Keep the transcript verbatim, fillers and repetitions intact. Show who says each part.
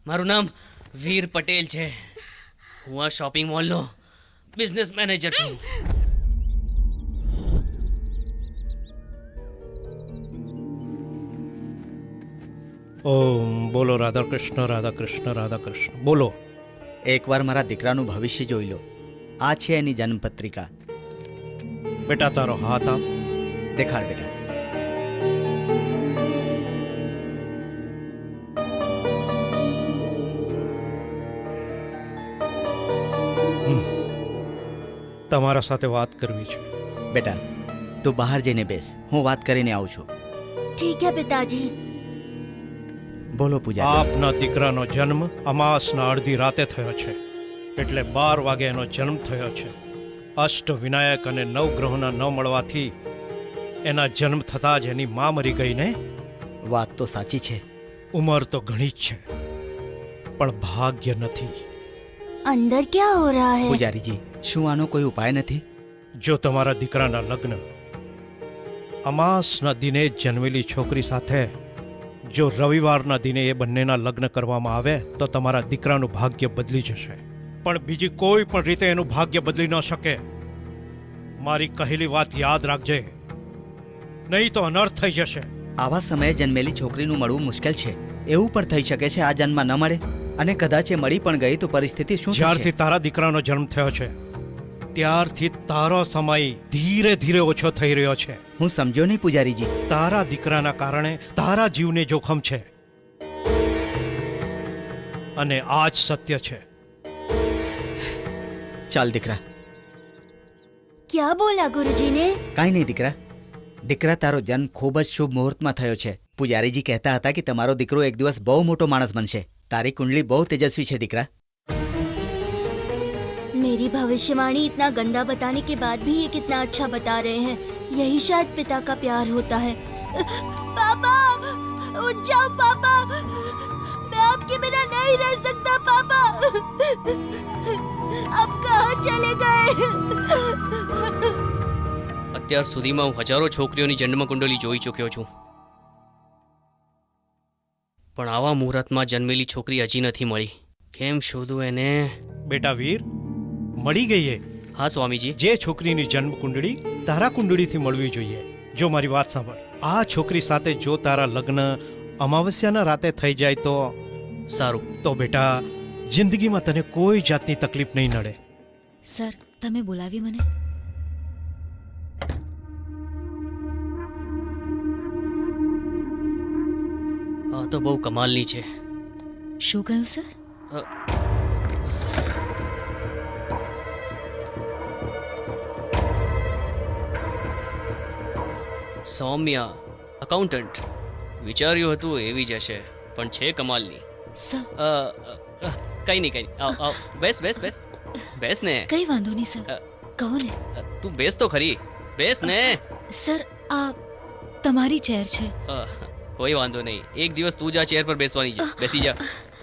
Speaker 1: મારું નામ વીર પટેલ છે. હું આ શોપિંગ મોલનો બિઝનેસ મેનેજર છું.
Speaker 2: ઓમ બોલો રાધા કૃષ્ણ રાધા કૃષ્ણ રાધા કૃષ્ણ. બોલો.
Speaker 3: એકવાર મારા દીકરાનું ભવિષ્ય જોઈ લો. આ છે એની જન્મપત્રિકા.
Speaker 2: બેટા તારો હાથ આપ.
Speaker 3: દેખાડ બેટા.
Speaker 2: તમારા સાથે વાત કરવી છે.
Speaker 3: બેટા તું બહાર જઈને બેસ, હું વાત કરીને આવું છું.
Speaker 4: ठीक है पिताजी.
Speaker 3: બોલો પૂજા.
Speaker 2: આપના દીકરાનો જન્મ અમાસના અડધી રાતે થયો છે, એટલે બાર વાગે એનો જન્મ થયો છે. અષ્ટ વિનાયક અને નવ ગ્રહોના ન મળવાથી એના જન્મ થતાં જ એની મા મરી ગઈ ને.
Speaker 3: વાત તો સાચી છે.
Speaker 2: ઉંમર તો ઘણી જ છે, પણ ભાગ્ય નથી.
Speaker 4: अंदर क्या हो रहा है?
Speaker 3: પૂજારીજી, શું આનો કોઈ ઉપાય નથી?
Speaker 2: જો તમારા દીકરાના લગ્ન અમાસના દિને જ જન્મેલી છોકરી સાથે જો રવિવારના દિને એ બંનેના લગ્ન કરવામાં આવે તો તમારા દીકરાનું ભાગ્ય બદલી જશે. પણ બીજી કોઈ પણ રીતે એનું ભાગ્ય બદલી ન શકે. મારી કહેલી વાત યાદ રાખજે, નહીં તો અનર્થ થઈ જશે.
Speaker 3: આવા સમયે જન્મેલી છોકરીનું મળવું મુશ્કેલ છે. એવું પણ થઈ શકે છે આ જન્મમાં ન મળે, અને કદાચ એ મળી પણ ગઈ તો પરિસ્થિતિ શું
Speaker 2: જ્યારથી
Speaker 3: થશે?
Speaker 2: તારા દીકરાનો જન્મ થયો છે ત્યારથી તારો સમય ધીરે ધીરે ઓછો થઈ રહ્યો છે.
Speaker 3: હું સમજ્યો નહીં પૂજારીજી.
Speaker 2: તારા દીકરાના કારણે તારા જીવને જોખમ છે, અને આ જ સત્ય છે.
Speaker 3: ચાલ દીકરા.
Speaker 4: क्या बोला गुरुजी ने?
Speaker 3: કાંઈ નહીં દીકરા. દીકરા, તારો જન્મ ખૂબ જ શુભ મુહૂર્તમાં થયો છે. પૂજારીજી કહેતા હતા કે તમારો દીકરો એક દિવસ બહુ મોટો માણસ બનશે. તારી કુંડલી બહુ તેજસ્વી છે દીકરા.
Speaker 4: मेरी भविष्यवाणी इतना गंदा बताने के बाद भी ये कितना अच्छा बता रहे हैं. यही शायद पिता का प्यार होता है. पापा, उठ जाओ पापा. मैं आपके बिना नहीं रह सकता पापा. आप कहाँ चले गए?
Speaker 1: અત્યાર સુધીમાં હું હજારો છોકરીઓની જન્મ કુંડલી જોઈ ચૂક્યો છું, પણ આવા મુહૂર્તમાં જન્મેલી છોકરી હજી નથી મળી. કેમ શોધું એને?
Speaker 2: બેટા વીર, મળી ગઈ એ.
Speaker 1: હા સ્વામીજી.
Speaker 2: જે છોકરીની જન્મ કુંડળી તારા કુંડળીથી મળવી જોઈએ. જો મારી વાત સાંભળ, આ છોકરી સાથે જો તારા લગ્ન અમાવસ્યાના રાતે થઈ જાય તો
Speaker 1: સારું.
Speaker 2: તો બેટા જિંદગીમાં તને કોઈ જાતની તકલીફ નહીં નડે.
Speaker 5: સર, તમે બોલાવી મને?
Speaker 1: આ તો બહુ કમાલની છે.
Speaker 5: શું કહ્યું સર?
Speaker 1: અ, સૌમ્યા અકાઉન્ટન્ટ. વિચાર્યું હતું એવી જ હશે, પણ છે કમાલની.
Speaker 5: સર,
Speaker 1: અ, અ, કઈ નહીં કઈ નહીં. આવ આવ બેસ બેસ બેસ બેસ ને.
Speaker 5: કઈ વાંધો નહીં સર,
Speaker 1: અ,
Speaker 5: કહો ને.
Speaker 1: અ, તું બેસ તો ખરી. બેસ ને.
Speaker 5: સર, આ તમારી ચેર છે.
Speaker 1: અ, કોઈ વાંધો નહીં. એક દિવસ તું જ આ ચેર પર બેસવાની છે. બેસી જા.